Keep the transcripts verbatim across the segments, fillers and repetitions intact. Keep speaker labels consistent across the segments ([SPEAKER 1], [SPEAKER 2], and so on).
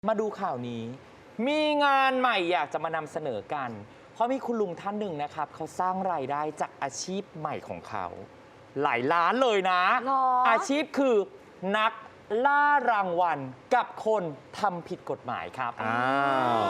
[SPEAKER 1] มาดูข่าวนี้มีงานใหม่อยากจะมานำเสนอกันเพราะมีคุณลุงท่านหนึ่งนะครับเขาสร้างรายได้จากอาชีพใหม่ของเขาหลายล้านเลยนะอาชีพคือนักล่ารางวัลกับคนทำผิดกฎหมายครับอ้าว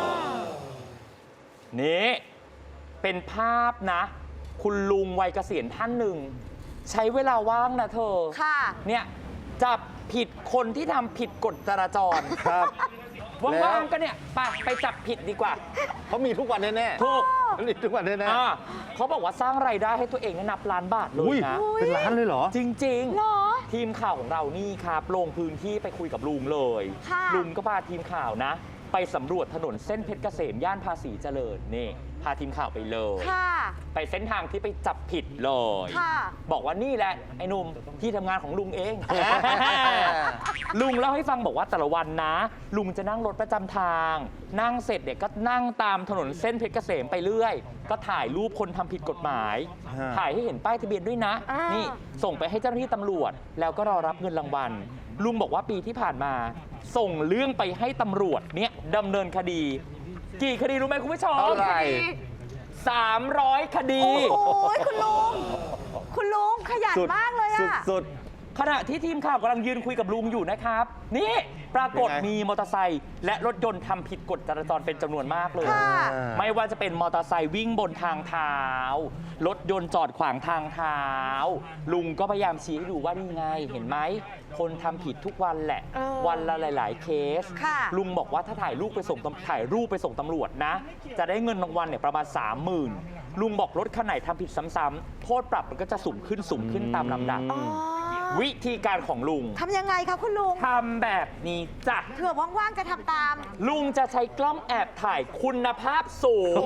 [SPEAKER 1] นี่เป็นภาพนะคุณลุงวัยเกษียณท่านหนึ่งใช้เวลาว่างนะเธอค่ะเนี่ยจับผิดคนที่ทำผิดกฎจราจรครับว่างๆก็เนี่ยไปไปจับผิดดีกว่า
[SPEAKER 2] เขามีทุกวันแน่ๆ
[SPEAKER 1] ถูก
[SPEAKER 2] มีทุกวันแน่
[SPEAKER 1] ๆเขาบอกว่าสร้างรายได้ให้ตัวเองนับล้านบาทเลยนะ
[SPEAKER 2] เป็นล้านเลยเหรอ
[SPEAKER 1] จริงๆทีมข่าวของเรานี่ครับลงพื้นที่ไปคุยกับลุงเลยลุงก็พาทีมข่าวนะไปสำรวจถนนเส้นเพชรเกษมย่านภาษีเจริญนี่พาทีมข่าวไปเลยไปเส้นทางที่ไปจับผิดเลยบอกว่านี่แหละไอ้หนุ่มที่ทำงานของลุงเอง ลุงเล่าให้ฟังบอกว่าแต่ละวันนะลุงจะนั่งรถประจำทางนั่งเสร็จเด็กก็นั่งตามถนนเส้นเพชรเกษมไปเรื่อยก็ถ่ายรูปคนทำผิดกฎหมายถ่ายให้เห็นป้ายทะเบียนด้วยนะนี่ส่งไปให้เจ้าหน้าที่ตำรวจแล้วก็รอรับเงินรางวัลลุงบอกว่าปีที่ผ่านมาส่งเรื่องไปให้ตำรวจเนี่ยดำเนินคดีกี่คดีรู้ไหมคุณผู้ชม
[SPEAKER 2] เท่าไหร่
[SPEAKER 1] สามร้อยคดี
[SPEAKER 3] โอ้ยคุณลุงคุณลุงขยันมากเลยอะ
[SPEAKER 1] สุดๆขณะที่ทีมข่าวกำลังยืนคุยกับลุงอยู่นะครับนี่ปรากฏมีมอเตอร์ไซค์และรถยนต์ทำผิดกฎจราจรเป็นจำนวนมากเลยไม่ว่าจะเป็นมอเตอร์ไซค์วิ่งบนทางเท้ารถยนต์จอดขวางทางเท้าลุงก็พยายามชี้ให้ดูว่านี่ไงเห็นไหมคนทำผิดทุกวันแหละวันละหลายๆเคสลุงบอกว่าถ้าถ่ายรูปไปส่งถ่ายรูปไปส่งตำรวจนะจะได้เงินรางวัลเนี่ยประมาณ สามหมื่น ลุงบอกรถคันไหนทำผิดซ้ำๆโทษปรับมันก็จะสูงขึ้นสูงขึ้นตามลำดับวิธีการของลุง
[SPEAKER 3] ทำยังไงคะคุณลุง
[SPEAKER 1] ทำแบบนี้จ้ะ
[SPEAKER 3] เผื่อว่างๆจะทำตาม
[SPEAKER 1] ลุงจะใช้กล้องแอบถ่ายคุณภาพสูง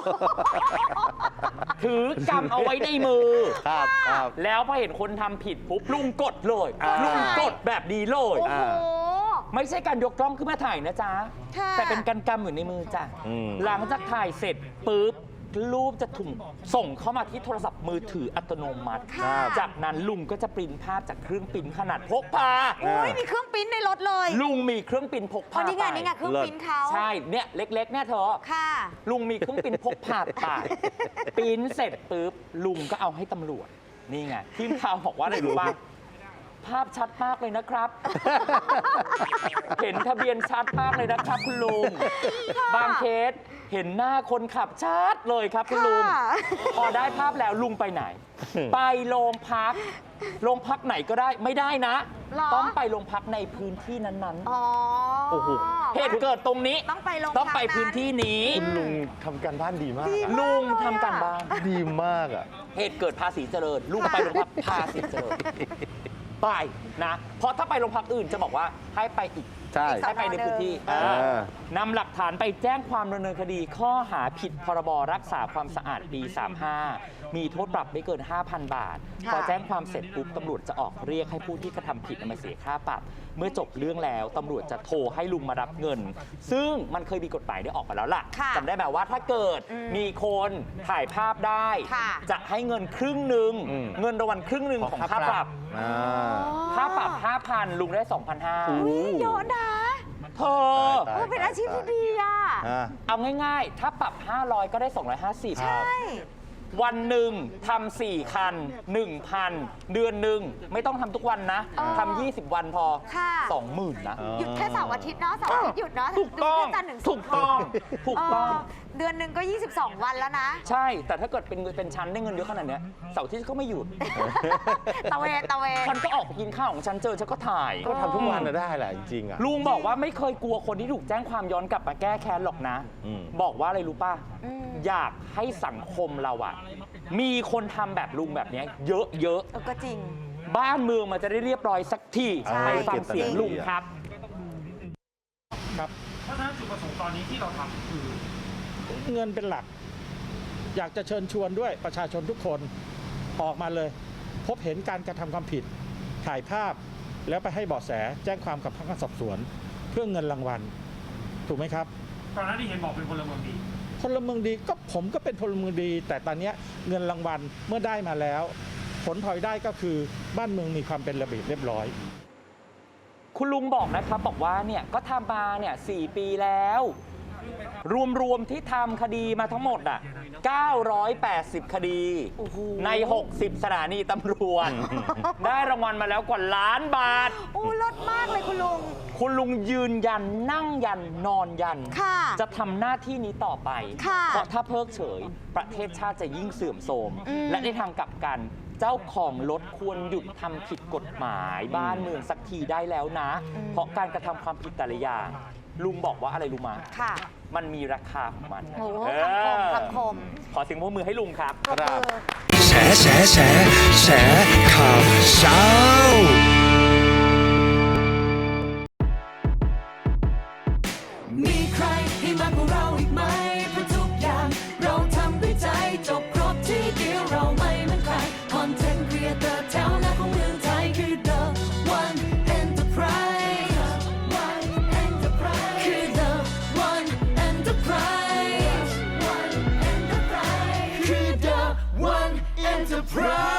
[SPEAKER 1] ถือกำเอาไว้ในมือแล้วพอเห็นคนทำผิดปุ๊บลุงกดเลยลุงกดแบบนี้เลยไม่ใช่การยกกล้องขึ้นมาถ่ายนะจ๊ะแต่เป็นการกำอยู่ในมือจ้ะหลังจากถ่ายเสร็จปุ๊บรูปจะถูกส่งเข้ามาที่โทรศัพท์มือถืออัตโนมัติจากนั้นลุงก็จะปริ้นภาพจากเครื่องปริ้นขนาดพกพา
[SPEAKER 3] โอ้ยมีเครื่องปริ้นในรถเลย
[SPEAKER 1] ลุงมีเครื่องปริ้นพกพา
[SPEAKER 3] ไปนี่ไงนี่ไงเครื่องปริ้นเขา
[SPEAKER 1] ใช่เนี่ยเล็กๆเนี่ยเธอค่ะลุงมีเครื่องปริ้นพกพาไปปริ้นเสร็จปุ๊บลุงก็เอาให้ตำรวจนี่ไงทีมข่าวบอกว่าอะไรรู้ป่ะภาพชัดมากเลยนะครับเห็นทะเบียนชัดมากเลยนะครับคุณลุงบางเคสเห็นหน้าคนขับชัดเลยครับคุณลุงพอได้ภาพแล้วลุงไปไหนไปโรงพักโรงพักไหนก็ได้ไม่ได้นะต้องไปโรงพักในพื้นที่นั้นๆโอ้โหเหตุเกิดตรงนี้
[SPEAKER 3] ต้องไปโรงพัก
[SPEAKER 1] ต้องไปพื้นที่นี้
[SPEAKER 2] คุณลุงทำการบ้านดีมาก
[SPEAKER 1] ลุงทำการบ้าน
[SPEAKER 2] ดีมากอ่ะ
[SPEAKER 1] เหตุเกิดภาษีเจริญลุงไปโรงพักภาษีเจริญไปนะเพราะถ้าไปโรงพักอื่นจะบอกว่าให้ไปอีก
[SPEAKER 2] ใช่
[SPEAKER 1] ให้ไปในพื้นที่นำหลักฐานไปแจ้งความดำเนินคดีข้อหาผิดพรบรักษาความสะอาดปีสามสิบห้ามีโทษปรับไม่เกิน ห้าพัน บาทพอแจ้งความเสร็จปุ๊บตำรวจจะออกเรียกให้ผู้ที่กระทำผิดมาเสียค่าปรับเมื่อจบเรื่องแล้วตำรวจจะโทรให้ลุงมารับเงินซึ่งมันเคยมีกฎหมายได้ออกมาแล้วล่ะจำได้ไหมว่าถ้าเกิดมีคนถ่ายภาพได้จะให้เงินครึ่งหนึ่งเงินรางวัลครึ่งหนึ่งของค่าปรับค่าปรับ ห้าพัน ลุงได้ สองพันห้าร้อย
[SPEAKER 3] เยอะนะ
[SPEAKER 1] เธอ
[SPEAKER 3] เป็นอาชีพที่ดีอ่ะ
[SPEAKER 1] เอาง่ายๆถ้าปรับห้าร้อยก็ได้สองร้อยห้าสิบ
[SPEAKER 3] ใช่
[SPEAKER 1] วันหนึ่งทำสี่คัน หนึ่งพัน เดือนหนึ่งไม่ต้องทำทุกวันนะทำยี่สิบวันพอ สองหมื่น นะ
[SPEAKER 3] หยุดแค่เสาร์อาทิตย์เนาะเสาร์อาทิตย์หยุดเนาะ
[SPEAKER 1] ถูกต้องถูกต้องถูกต้อง
[SPEAKER 3] เดือนหนึ่งก็ยี่สิบสองวันแล้วนะ
[SPEAKER 1] ใช่แต่ถ้าเกิดเป็นเป็นชั้นได้เงินเยอะขนาดนี้เสาร์อาทิตย์ก็ไม่หยุด
[SPEAKER 3] ตะเวนตะเวน
[SPEAKER 1] ฉันก็ออกไปกินข้าวของฉันเจอฉันก็ถ่าย
[SPEAKER 2] ก็ทำทุกวันได้แหละจริงๆอ่ะ
[SPEAKER 1] ลุงบอกว่าไม่เคยกลัวคนที่ถูกแจ้งความย้อนกลับมาแก้แค้นหรอกนะบอกว่าอะไรรู้ป่ะอยากให้สังคมเราอะมีคนทำแบบลุงแบบนี้เยอะ
[SPEAKER 3] ๆก็จริง
[SPEAKER 1] บ้านเมืองมันจะได้เรียบร้อยสักทีไปฟังเสียงลุงครับ
[SPEAKER 4] ครับเพราะฉะนั้นจุดประสงค์ตอนนี้ที่เราทำคือเงินเป็นหลักอยากจะเชิญชวนด้วยประชาชนทุกคนออกมาเลยพบเห็นการกระทำความผิดถ่ายภาพแล้วไปให้เบาะแสแจ้งความกับพนักงานสอบสวนเพื่อเงินรางวัลถูกไหมครับ
[SPEAKER 5] ตอนนั้นที่เห็นบอกเป็นพลเมืองดี
[SPEAKER 4] พลเมืองดีก็ผมก็เป็นพลเมืองดีแต่ตอนนี้เงินรางวัลเมื่อได้มาแล้วผลพลอยได้ก็คือบ้านเมืองมีความเป็นระเบียบเรียบร้อย
[SPEAKER 1] คุณลุงบอกนะครับบอกว่าเนี่ยก็ทำมาเนี่ยสี่ปีแล้ว รวมๆที่ทำคดีมาทั้งหมดอ่ะเก้าร้อยแปดสิบ คดี
[SPEAKER 3] โอ้โห
[SPEAKER 1] ใน หกสิบ สถานีตำรวจ ได้รางวัลมาแล้วกว่าล้านบาท
[SPEAKER 3] โอ้ลดมากเลยคุณลุง
[SPEAKER 1] คุณลุงยืนยันนั่งยันนอนยัน
[SPEAKER 3] ค่ะ
[SPEAKER 1] จะทำหน้าที่นี้ต่อไป
[SPEAKER 3] ค่ะ
[SPEAKER 1] เพราะถ้าเพิกเฉยประเทศชาติจะยิ่งเสื่อมโทรม
[SPEAKER 3] อืม
[SPEAKER 1] และในทางกลับกัน เจ้าของรถควรหยุดทำผิดกฎหมายบ้านเมืองสักทีได้แล้วนะ เพราะการกระทำความผิดแต่ละอย่าง ลุงบอกว่าอะไรรู้มา
[SPEAKER 3] ค่ะ
[SPEAKER 1] มันมีราคาของมัน
[SPEAKER 3] โอ้
[SPEAKER 1] เออ
[SPEAKER 3] คำคมคำคม
[SPEAKER 1] ขอเสียงปรบมือให้ลุงครับ
[SPEAKER 3] ปรบมือ
[SPEAKER 6] แฉแฉแฉแฉข่าวเช้ามีใครให้มากกว่าเราอีกไหมเพราะทุกอย่างเราทำด้วยใจจบครบที่เดียวเราไม่เหมือนใครคอนเทนต์ครีเอเตอร์แถวหน้าของเมืองไทยคือ The One Enterprise One Enterprise คือ The One Enterprise One Enterprise คือ The One Enterprise